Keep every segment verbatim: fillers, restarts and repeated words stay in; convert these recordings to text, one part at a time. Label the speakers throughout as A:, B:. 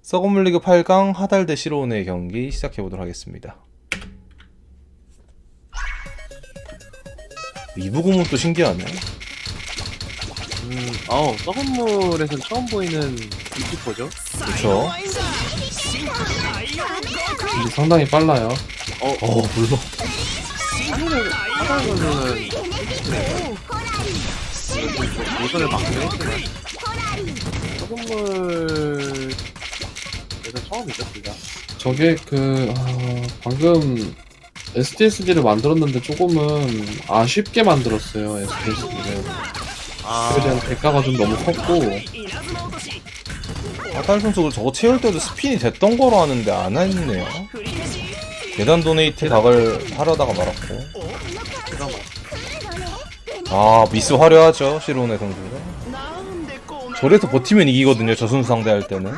A: 썩은 리그 팔 강 하달 대 시로운의 경기 시작해보도록 하겠습니다. 이부 구문도 신기하네.
B: 음, 어, 썩은 물에선 처음 보이는 이키퍼죠?
A: 그쵸?
C: 근데 상당히 빨라요.
B: 어,
A: 어 물론
B: 하늘을, 하늘은, 예선을 막긴 했지만, 썩은 물에서 처음이죠, 둘 다.
C: 저게 그 아, 방금 에스디에스디를 만들었는데 조금은 아쉽게 만들었어요. 에스디에스디를.
B: 아,
C: 그에 대한 대가가 좀 너무 컸고
A: 하달 선수 저거 채울 때도 스핀이 됐던 거로 하는데 안 했네요. 계단 도네이트 각을 하려다가 말았고.
B: 그나마.
A: 아 미스 화려하죠 시로운의 선수가. 저래서 버티면 이기거든요 저 선수 상대할 때는.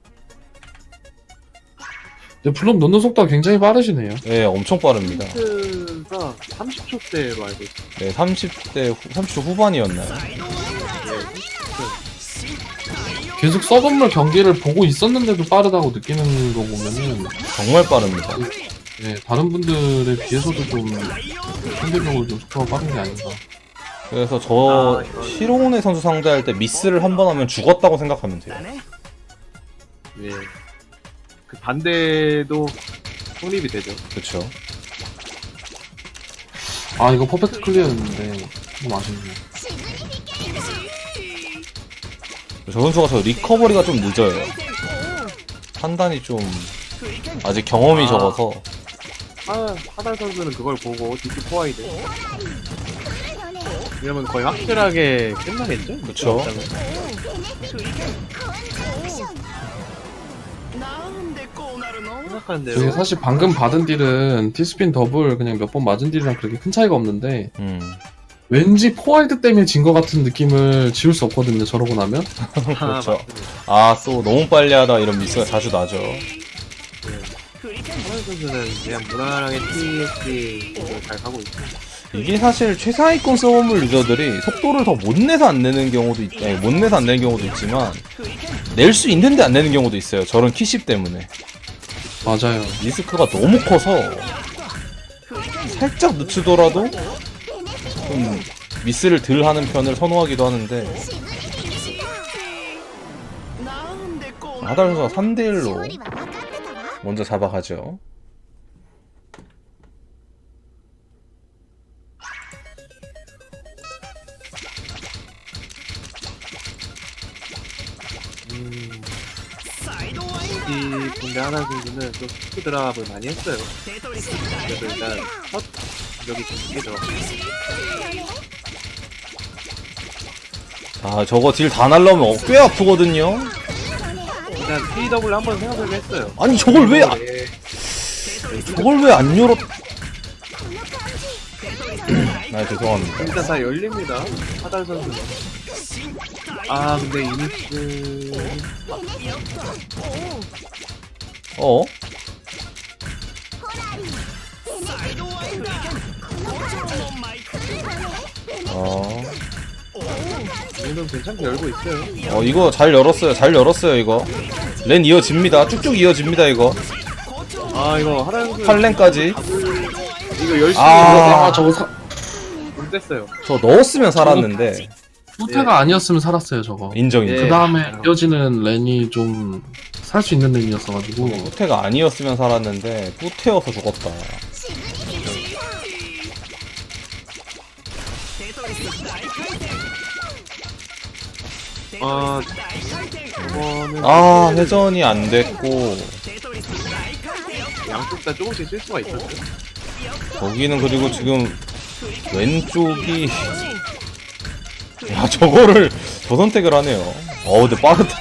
C: 근데 블록 넣는 속도가 굉장히 빠르시네요.
A: 예 엄청 빠릅니다.
B: 힌트가 삼십 초대로 알고 있어요.
A: 네 삼십 대 후, 삼십 초 후반이었나요?
C: 계속 썩은 물 경기를 보고 있었는데도 빠르다고 느끼는 거 보면은
A: 정말 빠릅니다.
C: 네, 다른 분들에 비해서도 좀 상대적으로 좀 속도가 빠른 게 아닌가.
A: 그래서 저
B: 아, 이거-
A: 시로운의 선수 상대할 때 미스를 한 번 하면 죽었다고 생각하면 돼요.
B: 예. 그 반대도 성립이 되죠.
A: 그쵸?
C: 아 이거 퍼펙트 클리어였는데 좀 아쉽네요.
A: 저 선수가 저 리커버리가 좀 늦어요. 판단이 좀 아직 경험이
B: 아.
A: 적어서.
B: 하, 하달 선수는 그걸 보고 디스 포화이드. 이러면 거의 확실하게 끝나겠죠?
A: 그쵸.
B: 생각하는데요.
C: 저게 사실 방금 받은 딜은 티스핀 더블 그냥 몇 번 맞은 딜이랑 그렇게 큰 차이가 없는데
A: 음.
C: 왠지 포화이드 때문에 진 것 같은 느낌을 지울 수 없거든요. 저러고 나면.
A: 그렇죠. 아, 또 너무 빨리 하다 이런 미스가 자주 나죠.
B: 하달 선수는 그냥 무난하게 티에스디를 잘 가고 있고.
A: 이게 사실 최상위권 서브물 유저들이 속도를 더 못 내서 안 내는 경우도 있, 아니, 못 내서 안 내는 경우도 있지만 낼 수 있는데 안 내는 경우도 있어요. 저런 키십 때문에.
C: 맞아요.
A: 리스크가 너무 커서 살짝 늦추더라도 좀 미스를 덜 하는 편을 선호하기도 하는데 하달 선수가 삼 대 일로 먼저 잡아가죠.
B: 음. 이 군대 하달 선수는 좀 스프 드랍을 많이 했어요. 그래서 일단 첫 여기 두개 들어갔고.
A: 아 저거 딜 다 날라오면 꽤 아프거든요.
B: 일단 피더블 한번 생각을 했어요.
A: 아니 저걸 왜 안, 저걸 왜 안 열었... 아 죄송합니다.
B: 일단 다 열립니다. 하달 선수는. 아 근데 이니스
A: 어? 어...
B: 이는 괜찮게 열고 있어요.
A: 어 이거 잘 열었어요. 잘 열었어요 이거. 렌 이어집니다. 쭉쭉 이어집니다 이거.
B: 아 이거 하달 선수
A: 팔 렌까지.
B: 이거 열심히
A: 아.
C: 아 저거 사...
B: 못 뗐어요.
A: 저 넣었으면 살았는데.
C: 후퇴가 아니었으면 살았어요 저거.
A: 인정 인정.
B: 예.
C: 그 다음에 이어지는 렌이 좀 살 수 있는 렌이었어가지고
A: 후퇴가 아니었으면 살았는데 후퇴여서 죽었다.
B: 아 이거는
A: 아 회전이 안 됐고
B: 양쪽 다 조금씩 쓸 수가 있었어요.
A: 거기는 그리고 지금 왼쪽이 야 저거를 저 선택을 하네요. 어 근데 빠르다.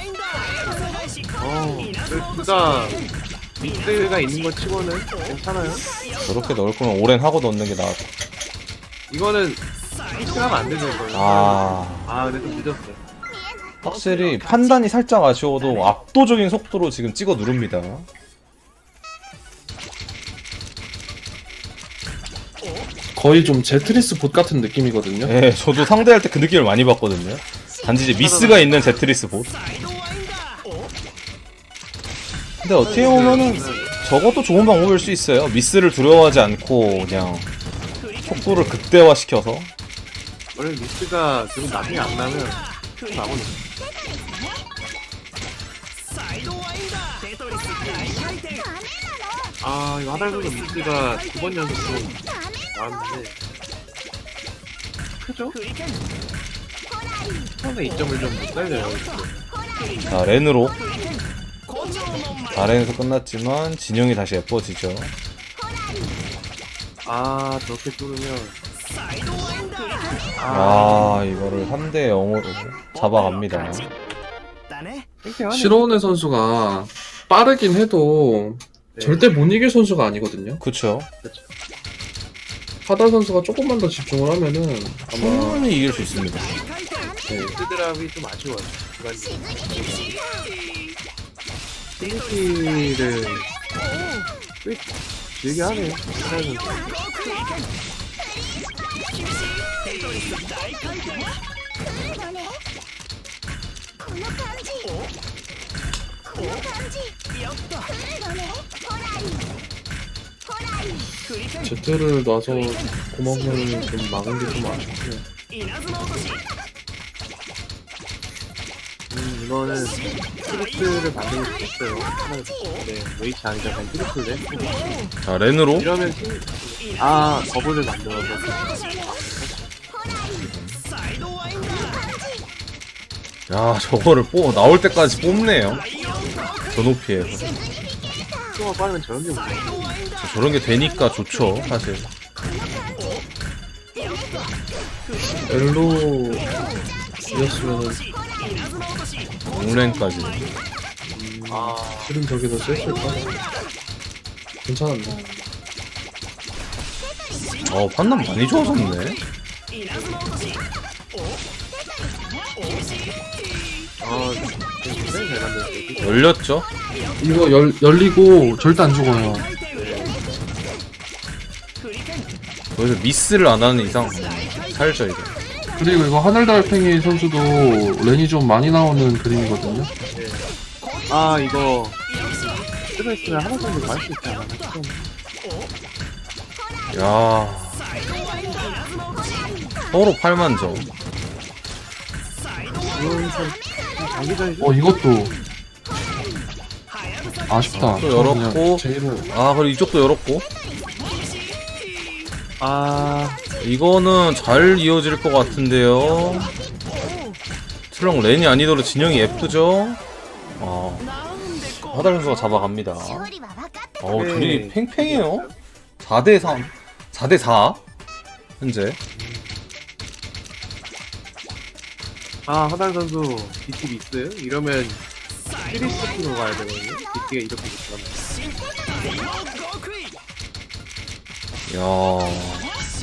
B: 어둘다 미스가 있는 것 치고는 괜찮아요.
A: 저렇게 넣을 거면 오랜 하고 넣는 게 나았다.
B: 이거는 미스하면 안 되는 거예요.
A: 아
B: 아 근데 좀 늦었어요.
A: 확실히 판단이 살짝 아쉬워도 압도적인 속도로 지금 찍어 누릅니다.
C: 거의 좀 제트리스 봇 같은 느낌이거든요.
A: 예, 저도 상대할 때 그 느낌을 많이 받거든요. 단지 이제 미스가 있는 제트리스 봇. 근데 어떻게 보면은 저것도 좋은 방법일 수 있어요. 미스를 두려워하지 않고 그냥 속도를 극대화시켜서.
B: 원래 미스가 지금 나중에 안 나면 나거든. 아 이거 하달도 미스가 두 번 연속으로 나왔는데 크죠? 처음에 이 점을 좀 못 살려요. 이거.
A: 자, 렌으로. 아렌에서 끝났지만 진영이 다시 예뻐지죠.
B: 아 저렇게 뚫으면
A: 아, 이거를 삼 대 영으로 잡아갑니다.
B: 팽팽하네.
C: 시로운의 선수가 빠르긴 해도
B: 네.
C: 절대 못 이길 선수가 아니거든요.
A: 그쵸.
B: 그쵸.
C: 하달 선수가 조금만 더 집중을 하면은 아마
A: 충분히 이길 수 있습니다.
C: 네,
B: 드랍이 좀 아쉬워요. 필리피를 꽤 길게 하네요. 하달은
C: 제트를 놔서 구멍을 좀 막은 게 좀 아쉽고요.
B: 음, 이거는 트리플을 만들고 싶었어요. 하나, 네, 웨이치 아니라 그냥 트리플을.
A: 자, 렌으로.
B: 이러면 신- 아 버블을 만들어서
A: 야, 저거를 뽑, 나올 때까지 뽑네요. 저 높이에서.
B: 속도가 빠르면 저런 게 뭐야?
A: 저런 게 되니까 좋죠, 사실.
C: 엘로 이었으면은
A: 롱랭까지.
B: 아
C: 실은 저게 더 셌을까? 괜찮았네.
A: 어, 판단 많이 좋아졌네.
B: 아, 굉장히 잘 만들었어요.
A: 열렸죠?
C: 이거 열, 열리고 절대 안 죽어요.
A: 거기서 미스를 안 하는 이상 살죠, 이거.
C: 그리고 이거 하늘달팽이 선수도 렌이 좀 많이 나오는 그림이거든요.
B: 네. 아, 이거 스트레스를 하나 정도 더 할 수 있지 않나? 좀
A: 야, 서로 팔만 점.
B: 이건 좀 장기전이죠?
C: 어 이것도 아쉽다.
A: 또 열었고.
C: 제이로
A: 아, 그리고 이쪽도 열었고.
B: 아,
A: 이거는 잘 이어질 것 같은데요. 트렁 렌이 아니더라도 진영이 예쁘죠? 아, 하달 선수가 잡아갑니다. 어,
B: 네.
A: 둘이 팽팽해요. 사 대 삼, 사 대 사 현재.
B: 아, 하달 선수 비트 미스? 이러면 시리스로 가야 되거든요? 비트가 이렇게 붙으면.
A: 야,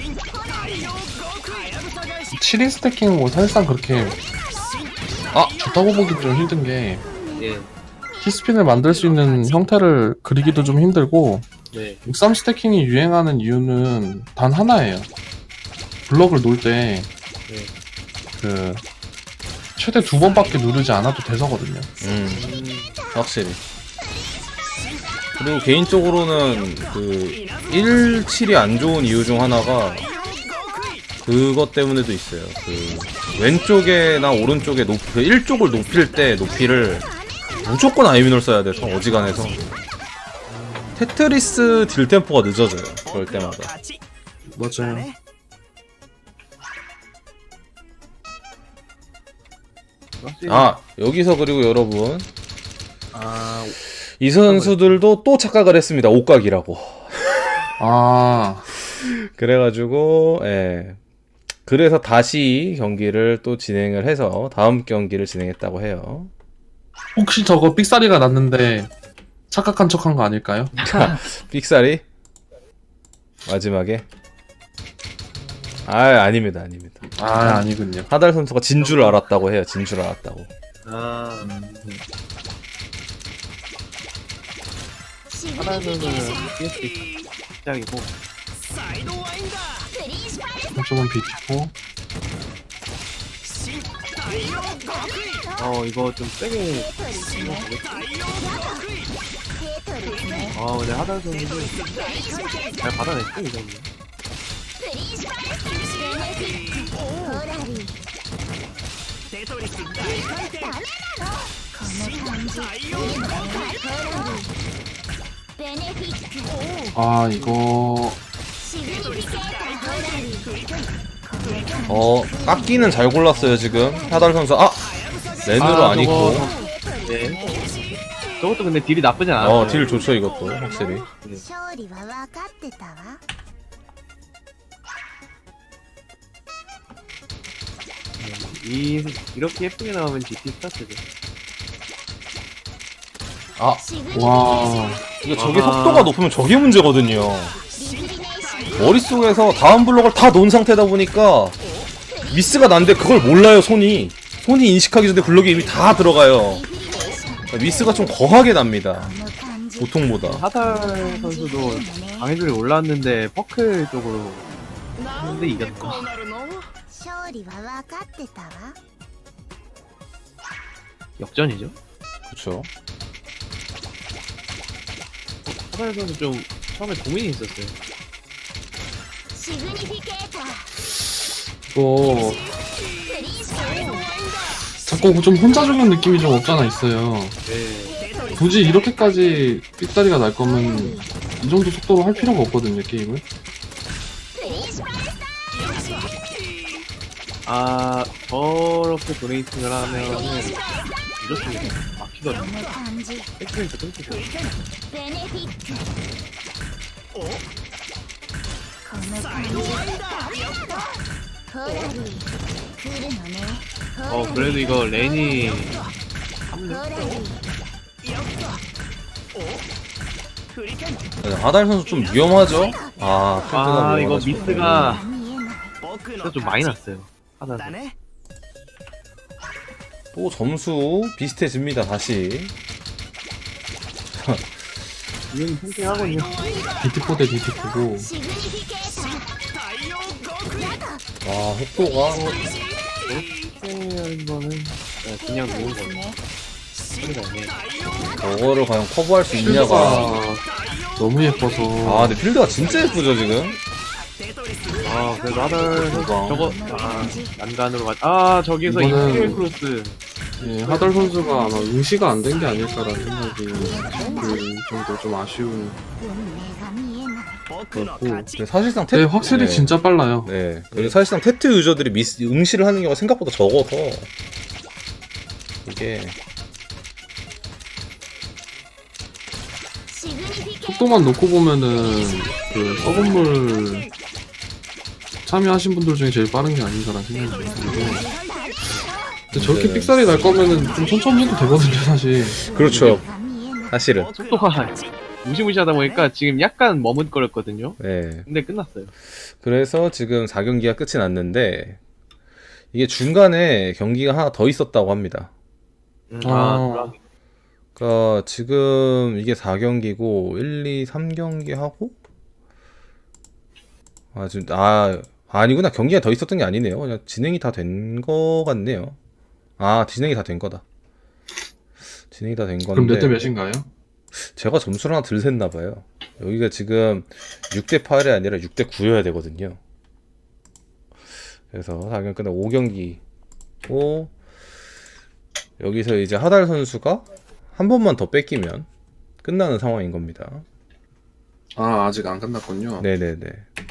C: 칠 인 스태킹은 뭐 사실상 그렇게 아 좋다고 보기 좀 힘든 게
B: 예,
C: 키스핀을 만들 수 있는 형태를 그리기도 좀 힘들고
B: 네.
C: 육삼 스태킹이 유행하는 이유는 단 하나예요. 블럭을 놓을 때
B: 네.
C: 그 최대 두 번밖에 누르지 않아도 돼서거든요.
A: 음,
B: 음,
A: 확실히. 그리고 개인적으로는 그 일 칠이 안 좋은 이유 중 하나가 그것 때문에도 있어요. 그 왼쪽에나 오른쪽에 높이, 그 일 쪽을 높일 때 높이를 무조건 아이미노를 써야 돼서 어지간해서 테트리스 딜 템포가 늦어져요. 그럴 때마다.
C: 맞아요.
B: 확실히-
A: 아, 여기서 그리고 여러분
B: 아,
A: 이 선수들도 또 착각을 했습니다. 옷각이라고.
C: 아
A: 그래가지고 예. 그래서 다시 경기를 또 진행을 해서 다음 경기를 진행했다고 해요.
C: 혹시 저거 삑사리가 났는데 착각한 척한 거 아닐까요?
A: 삑사리 마지막에 아 아닙니다 아닙니다.
C: 아 아니군요.
A: 하달 선수가 진 줄 알았다고 해요. 진 줄 알았다고.
B: 아, 하달 선수는 피에스피 시작이고,
C: 한쪽은 비티고
B: 어, 이거 좀 세게. 아 근데 하달 선수도 잘 받아냈죠 이 정도.
C: 아 이거
A: 어 깎기는 잘 골랐어요 지금 하달 선수. 아 렌으로 안 있고.
B: 네. 저것도 근데 딜이 나쁘진 않아요.
A: 어 딜 좋죠 이것도 확실히.
D: 勝利は分かってたわ
B: 이 이렇게 예쁘게 나오면 지티 스타트죠.
A: 아
C: 와
A: 이게 저게
B: 아하.
A: 속도가 높으면 저게 문제거든요. 머릿속에서 다음 블록을 다 놓은 상태다 보니까 미스가 난데 그걸 몰라요 손이. 손이 인식하기 전에 블록이 이미 다 들어가요. 미스가 좀 거하게 납니다
D: この感じ
A: 보통보다.
B: 하달 선수도 방해줄이 올랐는데 퍼클 쪽으로 했는데 이겼다.
D: 勝利は分かってたわ
B: 역전이죠.
A: 그렇죠.
B: 하달 선수 좀 처음에 고민이 있었어요.
D: シグニフィケーター
C: 이거
D: プリンスト
C: 자꾸 좀 혼자 죽는 느낌이 좀 없잖아 있어요.
B: 네.
C: 굳이 이렇게까지 삑다리가 날 거면 이 정도 속도로 할 필요가 없거든요 게임을.
D: プリンス
B: 아 저렇게 도네이팅을 하면은 이렇습니다. 막히거든요.
D: この感じ
B: 백스페이스 끊기죠.
D: ベネフィックこの感じホラリー来るのね
B: 어 그래도 이거 렌이
D: ホラリー
A: 네, 하달 선수 좀 위험하죠? 아 펜트가
B: 아 이거
A: 위험하죠.
B: 미스가
D: 見えない
B: 진짜 좀 많이 났어요. 하달 선수.
A: 또 점수 비슷해집니다 다시.
B: 이건 팽팽하군요.
C: 디티포 대 디티포고
D: シグニフィケーター
A: 아 속도가
B: 이렇게 거는 네, 그냥 놓은 거예요.
D: ね
B: 소리가 없네.
A: 저거를 과연 커버할 수 있냐가.
C: 필드가 너무 예뻐서
A: 아 근데 필드가 진짜 예쁘죠 지금?
B: 아 그래도 하달 선수
A: 뭐가?
B: 저거 아 난간으로 가. 아 저기서
C: 이거는-
B: 이스킬 크로스.
C: 예, 하달 선수가 아마 응시가 안 된 게 아닐까라는 생각이 그 정도 좀 아쉬운
D: 運命が見えない
C: 그렇고
A: 근데 사실상 테...
C: 네, 확실히
A: 네.
C: 진짜 빨라요.
A: 네. 그리고 사실상 테트 유저들이 미스, 응시를 하는 경우가 생각보다 적어서 이게
D: シグニフィケーター
C: 속도만 놓고 보면은 그 서건물 참여하신 분들 중에 제일 빠른 게 아닌가라는 생각이 좀 드는데 근데 저렇게
A: 네.
C: 삑사리 날 거면은 좀 천천히 해도 되거든요 사실.
A: 그렇죠
D: が見えない
A: 사실은.
B: 속도가 무시무시하다 보니까 지금 약간 머뭇거렸거든요.
A: 네.
B: 근데 끝났어요.
A: 그래서 지금 사 경기가 끝이 났는데 이게 중간에 경기가 하나 더 있었다고 합니다.
B: 음,
C: 아.
B: 아,
A: 그러니까 지금 이게 사 경기고 일, 이, 삼 경기 하고 아 지금 아 아니구나 경기가 더 있었던 게 아니네요. 그냥 진행이 다 된 거 같네요. 아 진행이 다 된 거다. 진행이 다 된 건데.
C: 그럼 몇 대 몇인가요?
A: 제가 점수를 하나 덜 셌나 봐요. 여기가 지금 육 대 팔이 아니라 육 대 구여야 되거든요. 그래서 사 경기 끝나고 오 경기고 여기서 이제 하달 선수가 한 번만 더 뺏기면 끝나는 상황인 겁니다.
C: 아 아직 안 끝났군요.
A: 네네네.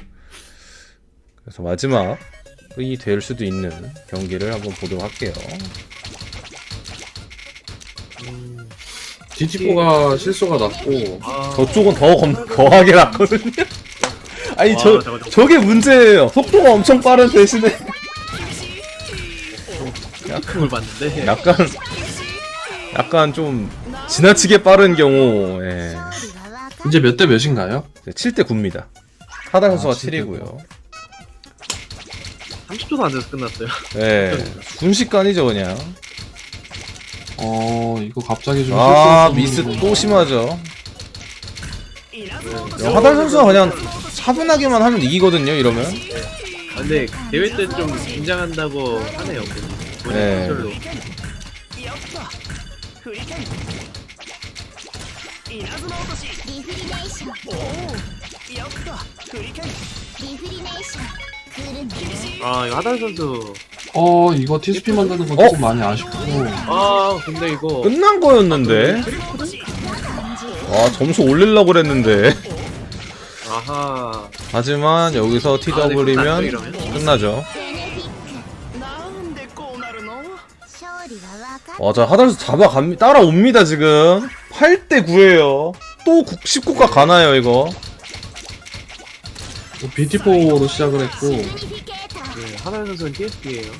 A: 그래서 마지막이 될 수도 있는 경기를 한번 보도록 할게요.
B: 음,
C: 디티포가 실수가 났고
B: 아,
A: 저쪽은 더 검, 거하게 났거든요. 아니
B: 와,
A: 저
B: 저거, 저거.
A: 저게 문제예요. 속도가 엄청 빠른 대신에
B: 약간 걸 봤는데.
A: 약간 약간 좀 지나치게 빠른 경우 예.
D: 勝利は分か
C: 이제 몇 대 몇인가요?
A: 칠 대 구입니다. 하달 선수가
C: 아, 칠 대 구.
A: 칠이고요.
B: 삼십 초도 안 돼서 끝났어요.
A: 예. 순식간이죠 그냥.
C: 어 이거 갑자기 좀
A: 아
C: 실수를
A: 미스
C: 좀-
A: 또 심하죠. 야, 하달 선수가 그냥 차분하게만 하면 이기거든요 이러면.
B: 아, 근데 대회 때 좀 긴장한다고 하네요. 본인
A: 네.
B: 컨트롤로.
D: リフリネーションリフリネーション来るね
B: 아 이거 하달 선수.
C: 어 이거 티에스피 만드는 건
A: 어?
C: 조금 많이 아쉽고.
B: 아 근데 이거
A: 끝난 거였는데. 아 점수 올리려고 그랬는데.
B: 아하.
A: 하지만 여기서 티더블이면 끝나죠.
D: 勝利は分かっ
A: 맞아 하달수 잡아갑니 따라옵니다 지금. 팔 대 구예요. 또 십구 가 가나요 이거.
C: 비티포로 시작을 했고
D: シグニフィケーター
B: 네, 하달 선수는 티에스피예요.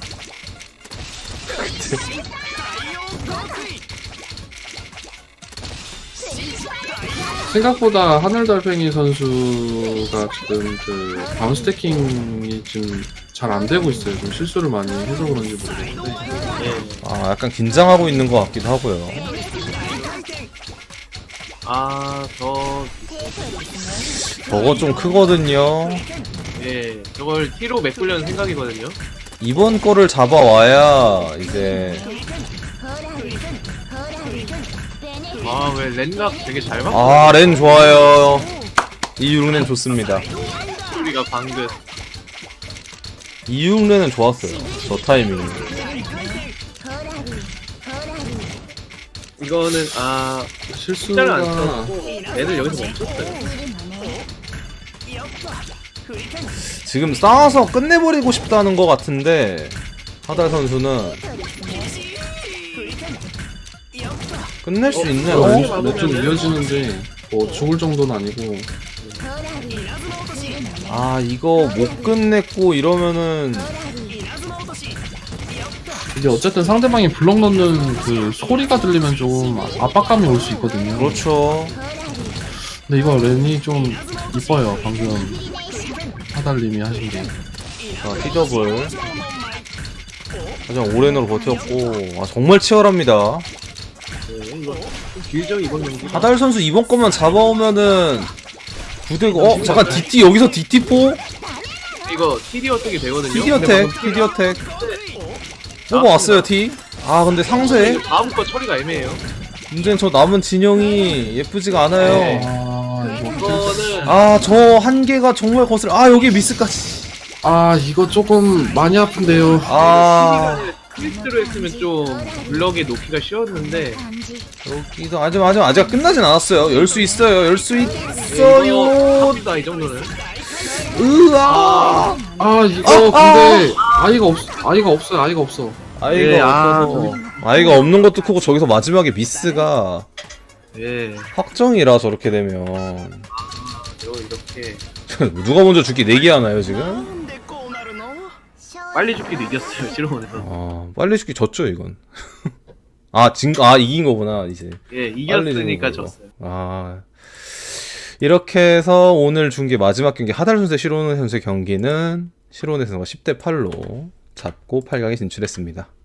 C: 생각보다 하늘달팽이 선수가 지금 그 다운 스태킹이 지금 잘 안 되고 있어요. 좀 실수를 많이 해서 그런지 모르겠는데.
B: 예.
A: 아 약간 긴장하고 있는 것 같기도 하고요.
B: 아저
A: 저거 좀 크거든요.
B: 예. 저걸 T로 메꾸려는 생각이거든요.
A: 이번 거를 잡아와야 이제
D: ほらほらベネフィ
B: 아 왜 렌각 되게 잘 맞고
A: 아 렌 좋아요. 이육렌 좋습니다.
B: 소리가 방긋.
A: 이육렌은 좋았어요. 저 타이밍.
D: ほらほらル
B: 이거는 아 숫자를 안
C: 실수가
B: 써고 애들 여기서 멈췄어요.
D: 来るのね
A: 지금 싸워서 끝내버리고 싶다는 것 같은데 하달 선수는 끝낼 수
C: 어,
A: 있네요.
C: 어, 몇 점 이어지는데 뭐 죽을 정도는 아니고
D: ほらル来るのね
A: 아 이거 못 끝냈고 이러면은
D: ほらル
C: 이제 어쨌든 상대방이 블럭 넣는 그 소리가 들리면 좀 압박감이 올 수 있거든요.
A: 그렇죠.
D: ほらル
C: 근데 이거 렌이 좀 이뻐요. 방금
D: リフリネーション
C: 하달님이 하신 게.
A: 자 티더블. 하지만 오렌으로 버텼고 아 정말 치열합니다.
B: 네, 이거 좀 길죠 이번 경기.
A: 하달 선수 이번 것만 잡아오면은 구대고 어 잠깐 디티 여기서 디티포
B: 이거 티디 어택이 되거든요.
A: 티디
B: 근데
A: 어택
B: 방금
A: 티디 어택 뽑아왔어요 티. 아 근데 상세
B: 다음 거 처리가 애매해요.
A: 문제는 저 남은 진영이 예쁘지가 않아요.
B: 네.
C: 아 이거
B: 이거는
A: 아 저 한계가 정말 거슬. 아 여기 미스까지.
C: 아 이거 조금 많이 아픈데요.
A: 아
B: 트위스트로 했으면 좀 블럭에 놓기가 쉬웠는데
D: 感じ
A: 여기도 아직 아직 아직 끝나진 않았어요. 열 수 있어요. 열 수
B: 이거
A: 있어요.
B: 합니다 이 정도는.
A: 으아.
C: 아 이거
A: 아,
C: 근데 아이가 없 아이가 없어요. 아이가 없어.
A: 아이가
B: 예, 아,
A: 없어서 아이가 없는 것도 크고 저기서 마지막에 미스가
B: 예.
A: 확정이라 저렇게 되면
B: 이거 이렇게
A: 누가 먼저 죽기 내기 하나요 지금?
D: 勝利
B: 빨리 죽기도 이겼어요 실험원에서.
A: 아 빨리 죽기 졌죠 이건. 아 진 아 이긴 거구나 이제.
B: 예
A: 빨리
B: 이겼으니까
A: 되는 거고.
B: 졌어요.
A: 아 이렇게 해서 오늘 중계 마지막 경기 하달 선수 시로네 선수의 경기는 시로네 선수가 십 대 팔로 잡고 팔 강에 진출했습니다.